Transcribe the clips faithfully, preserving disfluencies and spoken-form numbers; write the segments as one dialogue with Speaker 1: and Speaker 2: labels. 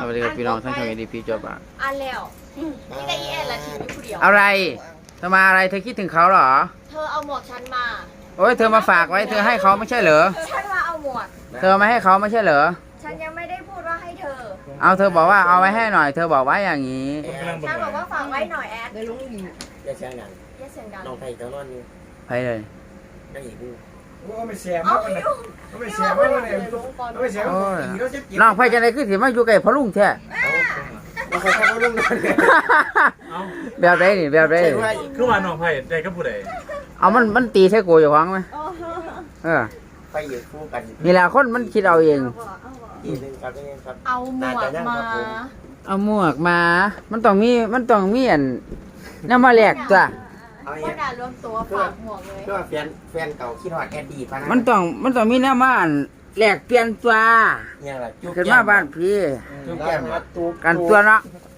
Speaker 1: วัสดีครับพี่น้องท่านชมเอดีพีจบอ่ะ
Speaker 2: อันแล้วนี่ก็อีแอนละทีนี้ผู้เดียว
Speaker 1: อะไรเธอมาอะไรเธอคิดถึงเขาเหรอ
Speaker 2: เธอเอาหมวกฉันมา
Speaker 1: โอ้ยเธอมาฝากไว้เธอให้เขาไม่ใช่เหรอ
Speaker 2: ฉันว่าเอาหมวก
Speaker 1: เธอมาให้เขาไม่ใช่เหรอ
Speaker 2: ฉันยังไม่ได้พูดว่าให้เธอ
Speaker 1: เอาเธอบอกว่าเอาไว้ให้หน่อยเธอบอกไว้อย่างนี้
Speaker 2: ฉันบอกว่าฝากไว้หน่อยแอด
Speaker 3: ได้ลุงดี
Speaker 2: อย่าเสียงดังอย่าเสียงดัง
Speaker 3: น้องไผ่เจ้านอนอยู่
Speaker 1: ไปเลย
Speaker 3: นั่งอีกดู
Speaker 4: ก็ไม่เสียมากเลยก็ไม่เสียมากเลยก็ไม่เสียมาก
Speaker 1: น้องไผ่จะไหนคือสิมาอยู่ไกลพะลุงแท้
Speaker 3: น้องไผ่เขาลุงนอน
Speaker 1: แบบไรนี่แบบไร
Speaker 4: คือว่าน้องไผ่ได้ก็ผู้ใด
Speaker 1: เอามันมันตีใช่กูอยู่ฟังไหมเออ
Speaker 3: ไปอยู่คู่กัน
Speaker 1: นี่แหละคนมันคิดเอาเอง
Speaker 3: อีกหนึ่งครับนี่ครับ
Speaker 2: เอาหมวกมา
Speaker 1: เอาหมวกมามันต้องมีมันต้องมีอันน้ำมาแหลกจ้ะ
Speaker 2: ว่าด่ารวมตัวฝากหมวกเลย
Speaker 3: เพื่อแฟนแฟนเก่าคิดฮอดแอดดี้ป่ะนะ
Speaker 1: มันต้องมันต้องมีน้ำมาอันแหลกเปลี่ยนตัว
Speaker 3: เนี่ยแหละ
Speaker 1: ขึ้นมาบ้านพี่กันตัวเนาะ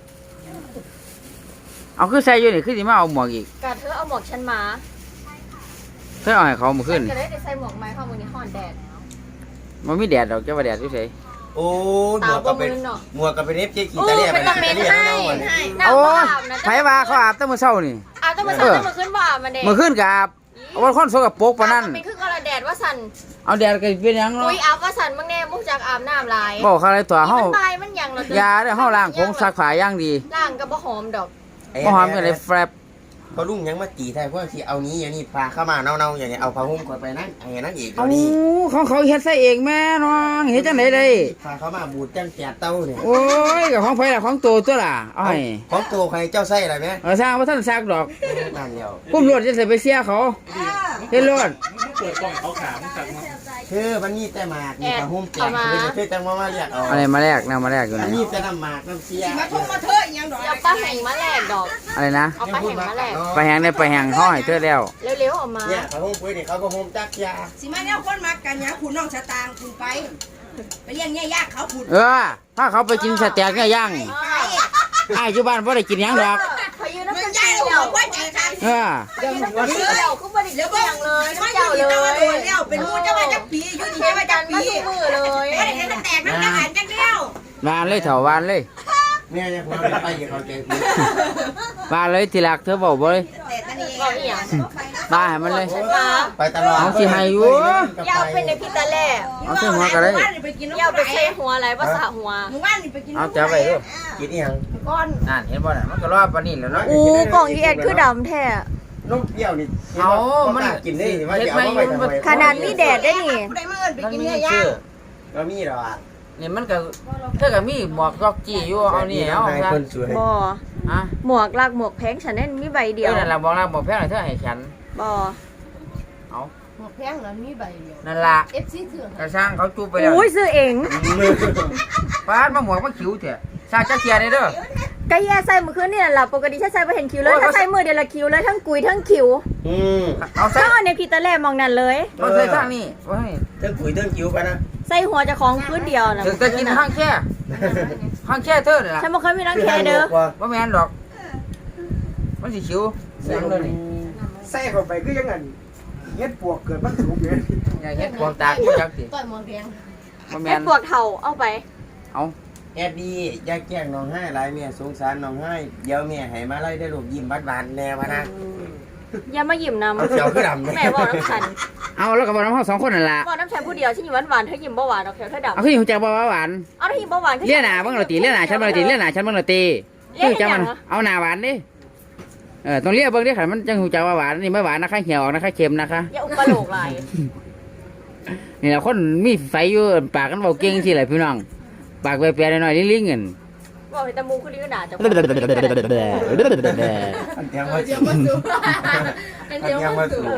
Speaker 1: เอาคือใส่อยู่นี่คือสิมาเอาหมวกอีก
Speaker 2: กะเธอเอาหมวกฉันมา
Speaker 1: เธอเอาให้เขามาขึ้น
Speaker 2: ก็เลยได้ใส่หมวกไม้เข้ามือนี้ห่อนแดด
Speaker 1: มันไม่แดดดอกเจ้าว่าแดดเฉย
Speaker 3: โอ้หมวกก็เป็นหมวกก็เป็นเอฟเจขี่ตะเลีย
Speaker 2: ไปตะเมนให้
Speaker 1: โอ้ไผว่าเขาอาบตั้งมื้อเช้านี่
Speaker 2: อาบตั้งมื้อเช้าตั้งมื้อขึ้นบ่อาบมาเด้
Speaker 1: มื้อขึ้นก็อาบเอาว่าคนสกปรกปานนั้น
Speaker 2: เป็นคือกระแดดว่าสั่น
Speaker 1: เอาแดดก็เป็นหยังเนาะ
Speaker 2: อุ้ยอาบว่าสั่นมึงแน่มุกจากอาบน้ำลาย
Speaker 1: บอกเขาอะไรตัวเฮา
Speaker 2: มันตายมันหยังเหรอย
Speaker 1: าเด้อเฮาล้างผงซักผ้าอย่างดี
Speaker 2: ล้างก็บ่หอมดอก
Speaker 1: บ่หอมก็เลยแฟบ
Speaker 3: พอลุงยังมาตีไทยพวกที่เอานี้อย่างนี้พาเข้ามาเน่าๆอย่างนี้เอาผ้าห่มก่อนไปนั่งอย่างนั้นอีก
Speaker 1: เอาดิของเขาเฮ็ดใส่เองแม่น้องเฮ็ดจังได๋ได้
Speaker 3: พาเข้ามาบูดจังแจกเต้าเนี่ย
Speaker 1: โอ้ยก็ของไผล่ะของโตตัวล่ะเอาให้
Speaker 3: ของโตใครเจ้าไส้อะไรแม่
Speaker 1: เออสร้างบ่ทันซักดอก
Speaker 3: นั่นแล้ว
Speaker 1: พุ่มรถจะใส่ไปเสียเขาเฮ็ดรถ
Speaker 4: เปิดกล่องเขาขามจัง
Speaker 3: คือมันมีแต่หมากมีผ้าห่มแจกคือคือจังว่ามาเรียกเอา
Speaker 1: อะไรมาแลกแนวมาแลกอยู่
Speaker 3: นี่
Speaker 1: นี่
Speaker 3: มีแต่น้ำหมากน้ำเสีย
Speaker 2: มาทุ่มมาเถอะยังดอกเอาปลาแห้งมาแลกดอก
Speaker 1: อะไรนะ
Speaker 2: เอาปลาแห้งมาแลก
Speaker 1: ปลาแห้งได้ปลาแห้งเฮาให้เธอแล้ว
Speaker 2: เร็วๆออกมา
Speaker 3: เนี่ยผ้าห่มปุ้ยนี่เขาก็ห่มจักยา
Speaker 5: สิมาเนี่ยคนมากันเนี่ยคุณน้องชะตางคุณไปไปเลี้ยงเนี่ยยากเขาคุณ
Speaker 1: เออถ้าเขาไปกินสเต็กเนี่ยย่างไอ้อยู่บ้านบ่ได้กินหยังดอก
Speaker 2: พายุน้ำมันใหญ่เดี๋ยวว่าใจค่ะ
Speaker 1: เออ
Speaker 2: เดี๋ยวก็บ่ได้เดี๋ยวบ่ยังเลยน้ำเจ้าเลย
Speaker 5: แล้วเป็นมูจะมาจักปีอยู่นี่มาจักปี
Speaker 2: มือเลย
Speaker 5: ไม่ได้จะแตกน้ำกระหันจักเดียว
Speaker 1: วานเลยเถา วานเลย
Speaker 3: เนี่ยเนี่ยพอไปอย่าเขาเจอ
Speaker 1: วานเลยทีหลักเธอบอกบ่เลย
Speaker 2: บอกอีหยัง
Speaker 1: บ้าให้มันเลย
Speaker 3: ไปตลอด
Speaker 1: เอาสิให้อยู่
Speaker 2: ยาวเป็นในพิตาแล่
Speaker 1: เอาใส่หัวก็ได้
Speaker 2: ยาวไปใส่หัวอะไรภาษาหัว
Speaker 1: เอาจับไปดู
Speaker 3: กินอีหยัง
Speaker 2: ก้อน
Speaker 1: นั่นเห็นบ่น่ะมันก็รอบปานนี้แล้วเนาะ
Speaker 2: อู้กล่องอีแอดคือดำแท้
Speaker 3: นมเปรี้ยวนี่
Speaker 1: เอามัน
Speaker 3: กินได้สิว่าจะเอาไปทำไม
Speaker 2: ขนาดมีแดดได้นี่
Speaker 5: ได้มาเอิ้นไปกินเนี่ยย่าง
Speaker 3: ก็มีหรอ
Speaker 1: นี่มันก็เธอก็มีหมวกก็จี้อยู่เอานี่เอาซะ
Speaker 2: บ่
Speaker 1: ฮะ
Speaker 2: หมวกลากหมวกแพงฉันนั่นมีใบเดียว
Speaker 1: นั่นล่ะบอกลากหมวกแพงเธอให้ฉัน
Speaker 2: บ่
Speaker 1: เอา
Speaker 5: หมวกแพงนั้นมีใบเดียว
Speaker 1: นั่นล่ะ
Speaker 5: เอฟ ซี ถือก
Speaker 1: ระช่างเขาจูบไปแล้ว
Speaker 2: อุ้ยซื้อเอง
Speaker 1: ปาดมาหมวกมาคิ้วเถอะซาจักเทียนี่เด้อ
Speaker 2: ก็แย่ใส่มื้อคืนนี่ล่ะปกติฉันใส่บ่เห็นคิ้วเลยถ้าใส่มื้อเดียวละคิ้วเลยทั้งกุยทั้งคิ้ว
Speaker 3: อืม
Speaker 1: เอาใส่
Speaker 2: เอาในพิตาแล่มองนั่นเลย
Speaker 1: เอาใส่ทางนี้โอ้ย
Speaker 3: เทั้งกุยเทั้งคิ้วไปนะ
Speaker 2: ใส่หัวจะของคืนเดียวน่ะ
Speaker 1: จะกินข้างแค่ข้างแค่เธอนี่ล่ะ
Speaker 2: ฉันบ่เคยมีรังแคเด้อ
Speaker 1: บ่แม่นดอกมันสิคิ้วเสียงเลยนี่
Speaker 4: ใส่เข้าไปคือยังไงเฮ็ดปวกเกิดมันสูงเลย
Speaker 1: อย่าเฮ็ดปวกตากูจักสิ
Speaker 5: ต่อยหมอนแดง
Speaker 1: บ่แม่น
Speaker 2: เฮ็ดปวกเฒ่าเอาไป
Speaker 1: เอา
Speaker 3: แอดดี้อย่าแกล้งน้องให้หลายแม่สงสารน้องให้เดี๋ยวแม่ให้มาไล่ได้ลูกยิ้มบานๆแน่พะนะ
Speaker 2: อย่ามายิ้มนำ
Speaker 3: เขียวคือดำ
Speaker 2: แม่บอกน้ำฉัน
Speaker 1: เอาแล้วก็บอกน้ำเฮาสองคนนั่นล่ะ
Speaker 2: บอกน้ำฉันผู้เดียวฉันยิ้มหวานๆเธอยิ้มบ่หวานดอกเขียวเธอดำ
Speaker 1: เอาคือหูจักบ่หวาน
Speaker 2: เอาเธอยิ้มบ่หวาน
Speaker 1: เลี้ยหน้าเบิ่งเราตีเลี้ยหน้าฉันบ่ตีเลี้ยหน้าฉันเบิ่งเราตีคือจังมันเอาหน้าหวานดิเออต้องเลี้ยเบิ่งดิค่ะมันจังหูจักว่าหวานนี่ไม่หวานนะคะเหี่ยวออกนะคะเค็มนะคะ
Speaker 2: อย่าอุปโลกหลาย
Speaker 1: นี่แหละคนมีไฟอยู่ปากกันเว้าเก่งสิแหละพี่น้องปากแปรๆหน่อยๆลิงๆกัน
Speaker 2: บอกให้ตะมูคือลิ้นหนาจัง
Speaker 3: อันยังมาสู่อันยังมาสู่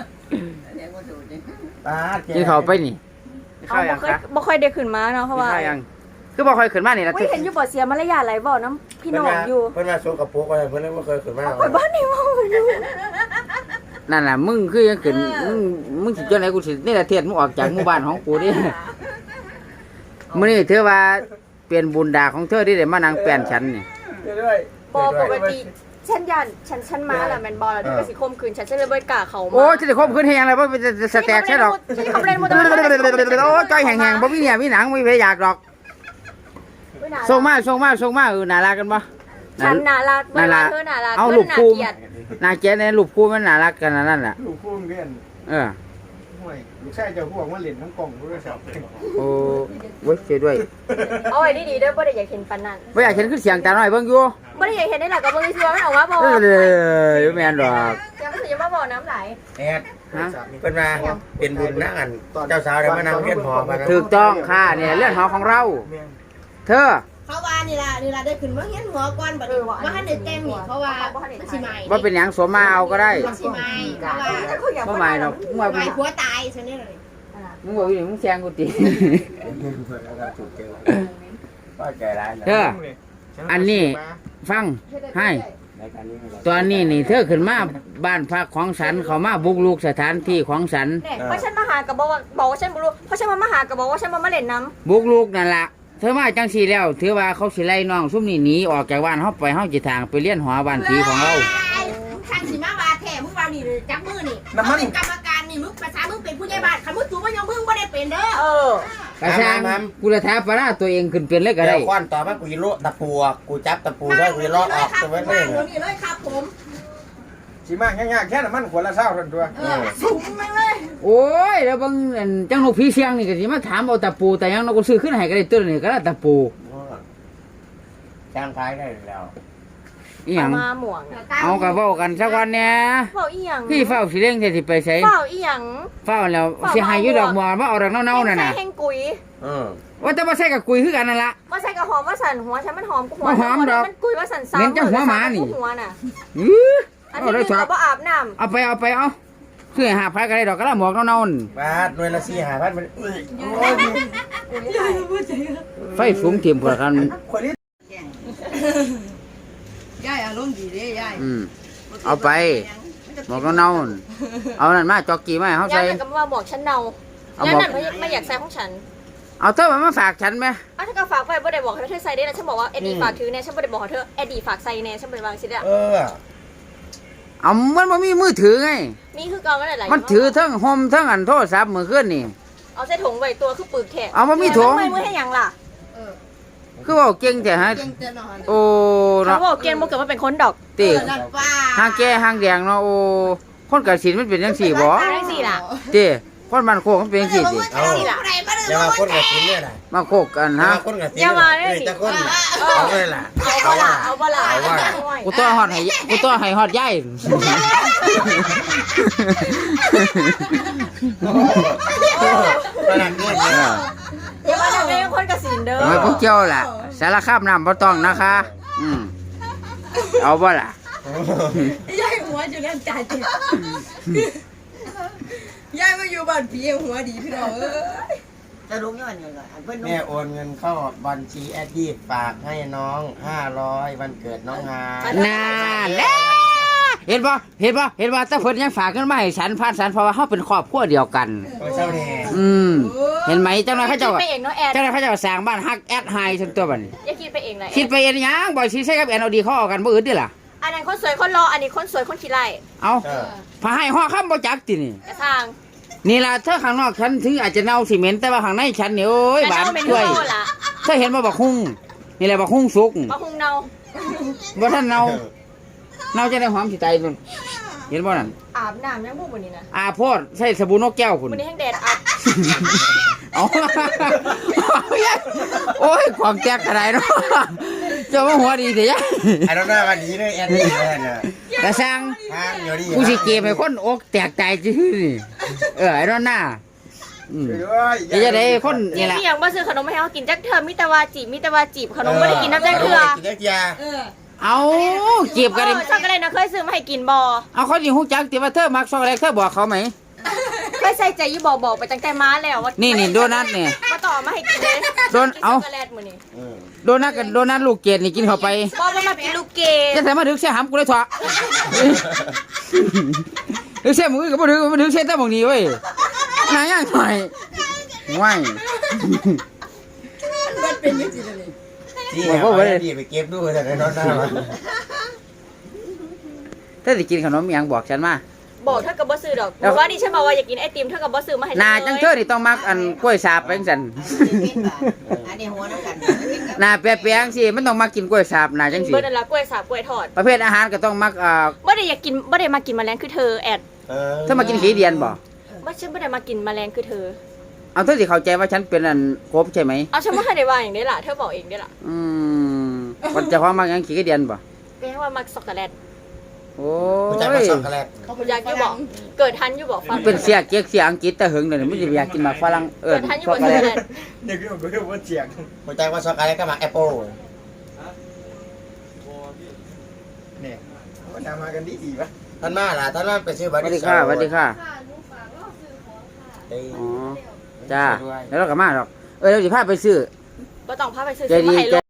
Speaker 3: ตา
Speaker 1: กินข้าวไปนี่
Speaker 2: ข้าวยังคะบ่ค่อยได้ขึ้นมาเนาะเพราะว่า
Speaker 1: คือบ่ค่อยขึ้นมานี่ล่ะ
Speaker 2: เห็นอยู่บ่เสียมารยาทหลายบ่น้ำพี่น้องอยู่
Speaker 3: เพิ่นมาส่งกับพวกอะไรเพิ่นบ่เคยขึ้นมา
Speaker 2: ไปบ้านนี่บ่อยู่
Speaker 1: นั่นน่ะมึงคือยังขึ้นมึงมึงสิจังได๋กูสินี่ละเทศมึงออกจากหมู่บ้านของกูดิมื้อนี้ถือว่าเป็นบุญดาของเธอที่ได้มานั่งแป้นฉันนี่
Speaker 2: บ่ปกติฉันยันฉันฉันมาแล้วแม่นบ่แล้วที่ไปสิข่มขืนฉันฉันเลยบ่กล้าเข้ามา
Speaker 1: โอ้ฉันสิข่มขืนเฮ็ดหยังล่ะบ่เป็นสแต็กใช่ดอก
Speaker 2: ฉันเขาเล่นบ่ได้
Speaker 1: โอ้ใจแห้งๆบ่มีเนี่ยมีหนังบ่มีเพอยากดอก
Speaker 2: เ
Speaker 1: ส่งมาส่งมาส่งมาเออน่ารักกันบ่
Speaker 2: ฉันน่ารัก
Speaker 1: น่ารัก
Speaker 2: เธอน่ารัก
Speaker 1: เอา
Speaker 2: เธ
Speaker 1: ลู
Speaker 2: อก น่า
Speaker 1: คู่
Speaker 2: เกลียด
Speaker 1: น่าเกลียดในรูปคู่มันน่ารักกันนั่นแหละ
Speaker 4: ลูกพุ่มเรียน
Speaker 1: เออ
Speaker 4: ห่วยลูกชายเจ้าพวกมาเล่นทั้งกล่องโทรศัพท์
Speaker 1: โอ้เว้ยช่วยด้วย
Speaker 2: เอาไว้ดีๆเด้อบ่ได้อยากเห็นปานนั้น
Speaker 1: บ่อยากเห็นคือเสียงตาน้อยเบิ่งอยู่
Speaker 2: บ่ได้อยากเห็นได้หรอกก็บ่ได้สิว่ามันออกมาบ่
Speaker 1: เออเลยแม่นดอก
Speaker 2: เดี๋ยวมันสิมาบ่น้ำไหล
Speaker 3: แอด
Speaker 1: ฮะ
Speaker 3: เป็นมาเป็นบุญนั่งอันเจ้าสาวได้มานั่งเรียนหอมานะ
Speaker 1: ถูกต้องค่ะเนี่ยเรื่องหอของเรา เธอ
Speaker 5: เขาว่านี่ล่ะนี่ล่ะได้ขึ้นมาเฮียนหัวก่อนบัดนี้ว่าทันได้แต่งนี่เพราะว่ามันสิใหม่
Speaker 1: ว่าเป็นหยังสวมมาเอาก็ได้
Speaker 5: มันสิใหม่เพราะว่า
Speaker 1: บ่หมายดอกมึงว่า
Speaker 5: ใหม่ผัวตายซั่นนี่เลย
Speaker 1: มึงบอกอยู่มึงแซงกูติ
Speaker 3: ก็ใจร้ายนะ
Speaker 1: เธอ อันนี้ ฟังให้
Speaker 3: ในการนี้
Speaker 1: ตอนนี้นี่เธอขึ้นมาบ้านพักของฉันเขามาบุกรุกสถานที่ของฉัน
Speaker 2: เนี่ยเพราะฉันมาหาก็บอกว่าบอกว่าฉันบ่รู้เพราะฉันมามาหาก็บอกว่าฉันมามาเล่นน้ำ
Speaker 1: บุกรุกนั่นล่ะเธอมาจังสีแล้วถือว่าเขาสิไล่น้องซุ่มนี่หนีออกจากบ้านเฮาไปเฮาจิทางไปเลี้ยนหอบ้านผีของเรา
Speaker 5: ทางสิมาว่าแท้มึงว่านี่จับมือนี่มึงเป็นกรรมการนี่มึงภาษามึงเป็นผู้ใหญ่บ้านคันมึงสูงบ่ยอมมึงบ่ได้เป็นเด้อ
Speaker 2: เออ
Speaker 1: กระช่างกูจะท้าปลาร้าตัวเองขึ้นเป็นเลยก็
Speaker 3: เดี๋
Speaker 1: ได้
Speaker 3: ยวควันต่อมากูจะโลตะปูกูจับตะปูได้กูจะลอดออก
Speaker 5: ครับ
Speaker 3: ตัวไว้
Speaker 5: มา
Speaker 3: เลย
Speaker 5: เดี๋ยวนี้เลยครับผม
Speaker 4: สิมากยากๆแค่น้ำมันขวดละเศร้าทันตัว
Speaker 5: เออสูงแม่งเลย
Speaker 1: โอ้ยแล้วบางอันจังนกผีเสียงนี่ก็สิมาถามเอาตะปูแต่ยังนกก็ซื้อขึ้นให้ก็ได้ตัวนี่ก็ได้ตะปู
Speaker 3: จ้างคล้ายได้แล้ว
Speaker 1: อีหยัง
Speaker 2: มาหม่วงน่ะ
Speaker 1: เอากระเว้ากันสักวันเนี่ย
Speaker 2: เฝ้าอีหยัง
Speaker 1: พี่เฝ้าสิเร่งสิไปใส่
Speaker 2: เฝ้าอีหยัง
Speaker 1: เฝ้าแล้วสิให้อยู่ดอกบัวว่าเอาดอกเน่าๆนั่นน่ะ
Speaker 2: ใส่แห้งกุย
Speaker 3: เออ
Speaker 1: ว่าแต่บ่ใส่กับกุยคือกันนั่นล่ะ
Speaker 2: ว่าใส่กระหอมว่าสั่นหัวฉันมันหอมกูหัว
Speaker 1: บ่หอมดอก
Speaker 2: มันกุยว่าสั่นซ้ำ
Speaker 1: เหม็นจังหัวหมานี่
Speaker 2: หัวน่ะ
Speaker 1: อื้อ
Speaker 2: อัน
Speaker 1: เอา
Speaker 2: นี้
Speaker 1: ได้
Speaker 2: นึง
Speaker 1: ชอบ
Speaker 2: ก็บ่อาบน้
Speaker 1: เอาไปเอาไปเอาซื้อให้หาพันก็ได้ดอกก็ละหมวกเน่าๆนั่น
Speaker 3: บาทหน่วยละสี่ห้าพันมันอุ้ยโอ้ย
Speaker 1: ไฟสูงเทียมกว่ากัน
Speaker 4: คนนี้
Speaker 5: ยายอารมณ์ดีเด้ยาย
Speaker 1: อืมเอาไปหมวกเน่าๆนั่นเอานั่นมาจอกกี้มาให้เฮา
Speaker 2: ำ
Speaker 1: ใส่
Speaker 2: ยายนั่นก็มาบอกฉันเนา
Speaker 1: เอา
Speaker 2: ยาย
Speaker 1: บอก
Speaker 2: นั่นไม่ไม่อยากใส่ของฉัน
Speaker 1: เอาเธอมาฝากฉันไหม
Speaker 2: อ้าวถ้าก็ฝากไว้บ่ได้บอกให้เธอใส่ได้นะฉันบอกว่าเอ็ดดี้ฝากถือแน่ฉันบ่ได้บอกให้เธอเอ็ดดี้ฝากใส่แน่ฉันบ่ได้วางสิเด้อ
Speaker 3: เออ
Speaker 1: เอามันบ่มีมือถือไง
Speaker 2: มีคือเก่ามันหลายๆ
Speaker 1: มันถือทั้งโฮมทั้งอันโทรศัพท์มือขึ้นนี่
Speaker 2: เอาใส่ถุงไว้ตัวคือปึกแขก
Speaker 1: เอามามีถุง
Speaker 2: ไม่มือให้หยังล่ะ
Speaker 5: เออ
Speaker 1: คือเว่าเก่งแต่ฮะ
Speaker 5: เก่งเตือนนอน
Speaker 1: โอ้
Speaker 2: เขา
Speaker 1: เนาะ
Speaker 2: บอกเกณฑ์บ่เกิดมาเป็นคนดอก
Speaker 1: ติ
Speaker 5: เออนั่นป้า
Speaker 1: หางแก่หางแดงเนาะโอ้คนกสินมันเป็นจังซี่บ่
Speaker 2: ได้สิล่ะ
Speaker 1: ติคนมันโคกมันเป็นจังซี่ติ
Speaker 3: เอาอย่ามาคนกับชิ้นเนี่ยนะ
Speaker 1: มาโคกกัน
Speaker 3: อย่า
Speaker 1: ฮะ
Speaker 3: มาคนกับชิ้นเลยจะคนเอาเลยล่ะ
Speaker 2: เอาบ่ล่ะเอาบ่ล่ะ
Speaker 3: เอาว่า
Speaker 1: กูตัวฮอดให้กูตัวให้ฮอดยาย
Speaker 3: ขนาดนี้
Speaker 1: เอ
Speaker 3: เนี่ย
Speaker 1: อ
Speaker 2: อย่ามาทำเป็นคนกระสินเด้อ
Speaker 1: โอ้ยพวกเจ้าล่ะสารคามน้ำบ่ต้องนะคะ อืมเอาบ่ล่ะ
Speaker 5: ยายหัวจะเล่นจ่ายจิตยายมาอยู่บ้านผีหัวดีพี่น้องเอ้ย
Speaker 6: จะลุกย้อนยังไงเพื่อน
Speaker 3: แม่โอนเงินเข้าบัญชีแอดดี้ฝากให้น้องห้าร้อยวันเกิดน้องฮา
Speaker 1: น่าแหละเห็นบ่เห็นบ่เห็นบ่แต่เพิ่นยังฝากเงินมาให้ฉันผ่านฉันเพราะว่าเฮาเป็นครอบครัวเดียวกัน
Speaker 3: โอ้เจ้าแน่
Speaker 1: อืมเห็นไหมเจ้าหน้าเขาเจ้า
Speaker 2: คิดไปเองเนาะแอน
Speaker 1: เจ้าหน้าเขาเจ้าสร้างบ้านฮักแอดไฮจนตัวบัดนี้
Speaker 2: อย่าคิดไปเองเลย
Speaker 1: คิดไปเอ็นหยังบ่สิใช้กับแอนเอาดีเขาเอากันบ่อื่นติล่ะ
Speaker 2: อันนั้นคนสวยคนรออันนี้คนสวยคนขี้ไล่
Speaker 1: เอา
Speaker 3: เออ
Speaker 1: พาให้ฮอดคำบ่จักตินี่
Speaker 2: กระทาง
Speaker 1: นี่ล่ะเธอข้างนอกฉันถึงอาจจะเน่าสิเหม็นแต่ว่าข้างในฉันนี่โอ้ยหวาน
Speaker 2: แต่เเป็น
Speaker 1: ช่วย
Speaker 2: โง่ล่ะ
Speaker 1: เธอเห็นบ่บักฮุ้งนี่แหละบักฮุ้งสุก
Speaker 2: มาหุงเนา
Speaker 1: บ่ทันเน่าเน่าจะได้หอมสิตายพุ่นเห็นบ่นั่น
Speaker 2: อาบน้ำยังบุกวันนี้นะ
Speaker 1: อาโพดใส่สบู่นกแก้วพุ่น
Speaker 2: วันนี้แห้งแดดอับ
Speaker 1: เอาโอ้ยของแจกกระไรเนาะเจ้าว่าหัวดีเถอะยะ
Speaker 3: ไอ้น้องหน้าวันนี้เลยแอดดี้แน่เนี่ย
Speaker 1: กระซัง
Speaker 3: ห้างอยู่ดี
Speaker 1: กูสิเกมให้คนอกแตกตายจื้อนี่เออไอ้นอนหน้าอืมเดี๋ยวจะได้คนนี่แหละ
Speaker 2: พี่ยังบ่ซื้อขนมมาให้เขากินจักเทอมมิตรวาจีบมิตรวาจีบขนมบ่ได้กินน้ำจักเทื่อ
Speaker 3: กินจักยา
Speaker 5: เออ
Speaker 1: เอาเก็บกันเลย
Speaker 2: เออช็อกโกแลตนะเคยซื้อมาให้กินบ่
Speaker 1: เอาเขาดิฮู้จักติว่าเธอมักช็อกโกแลตเธอบอกเขาไหม
Speaker 2: เคยใส่ใจอยู่บอกบอกไปตั้งแต่มาแล้วว่า
Speaker 1: นี่นี่โดนัทเนี่ย
Speaker 2: มาต่อมาให้กินเลย
Speaker 1: โดนเอา
Speaker 2: ช็อกโกแลตมื้อนี้
Speaker 3: เออ
Speaker 1: โดนัทกับโดนัทลูกเกดนี่กินเข้าไป
Speaker 2: บ่มันมาเป็นลูกเกด
Speaker 1: จะใส่มาถึงเสียหำกูเลยเถอะถึงเสียมือก็บ่ถึงบ่ถึงเสียแต่หมองนี้เว้ยนายยังหน่อยว้าย
Speaker 5: มันเป็นยังไงเลย
Speaker 3: ที่เอาแอดดี้ไปเก็บดูแต่ในน้องหน้า
Speaker 1: ถ้าสิกินขนมอิหยังบอกฉันมา
Speaker 2: บบอกเธอกับบ่ซื้อดอกเพราะว่าดิฉันบอกว่าอยากกินไอติมเธอกับบ่ซื้อมาให้
Speaker 1: หนาจังเธอนี่ต้องมักอันกล้วยสาบไปจังซั่น
Speaker 6: อันนี้หัวน้ำกัน
Speaker 1: หนาแปรๆจังซี่มันต้องมักกินกล้วยสาบหนาจังซี่
Speaker 2: เบิดนั่นละกล้วยสาบกล้วยทอด
Speaker 1: ประเภทอาหารก็ต้องมักอ่า
Speaker 2: บ่ได้อยากกินบ่ได้มากินแมลงคือเธอแอด
Speaker 3: เออ
Speaker 1: เธอมากินขี้เดียนบ่
Speaker 2: บ่ฉันบ่ได้มากินแมลงคือเธอ
Speaker 1: เอาเธอสิเข้าใจว่าฉันเป็นอันกบใช่ไหม
Speaker 2: เอาฉันบ่ทันได้ว่าอย่างนี้ล่ะเธอบอกเองได้ล่ะ
Speaker 1: อืมคนเจะของมักหยังขี้เดียนบ่
Speaker 2: แปลว่ามักช็อกโกแลต
Speaker 1: โอ้
Speaker 3: รู้จัก
Speaker 1: ย
Speaker 3: ว่าช็อกโกแลต
Speaker 2: อยากอยู่บอกเกิดทันอยู่บอกฟั
Speaker 1: มั
Speaker 2: ง
Speaker 1: นเป็นเสียเก๊กเสียอังกฤษแต่หึงเดี๋ยวนี้มันจะอยากกินหมากฝรั่งเอิ้
Speaker 2: เกิ
Speaker 1: น
Speaker 2: ดทันอยู่
Speaker 1: ช็
Speaker 2: บ
Speaker 1: อก
Speaker 2: อก
Speaker 1: โก
Speaker 2: ช็อก
Speaker 1: แล
Speaker 2: โก
Speaker 1: ต
Speaker 2: แลต
Speaker 4: เนี่ยคือผมก็เรียกว่าเจียง
Speaker 3: รู้จักว่าช็อกโกแลตก็มาแอปเปิล
Speaker 4: เนี่ยก็ทำมากันดีดีปะ
Speaker 3: ท่านมาล่ะท่านมาไปซื้อ
Speaker 1: ส
Speaker 3: บัตร
Speaker 1: วัสดีค่ะสวัสดีค่ะ
Speaker 3: เอ้ย
Speaker 1: อ๋อจ้าแล้วเราก็มาหรอกเออเราสิพาไปซื้อ
Speaker 2: บ่ต้องพาไปซื้อ
Speaker 1: ใจ
Speaker 2: ซื้อ
Speaker 1: ดี
Speaker 2: มาให้
Speaker 1: ใจ
Speaker 2: ลูก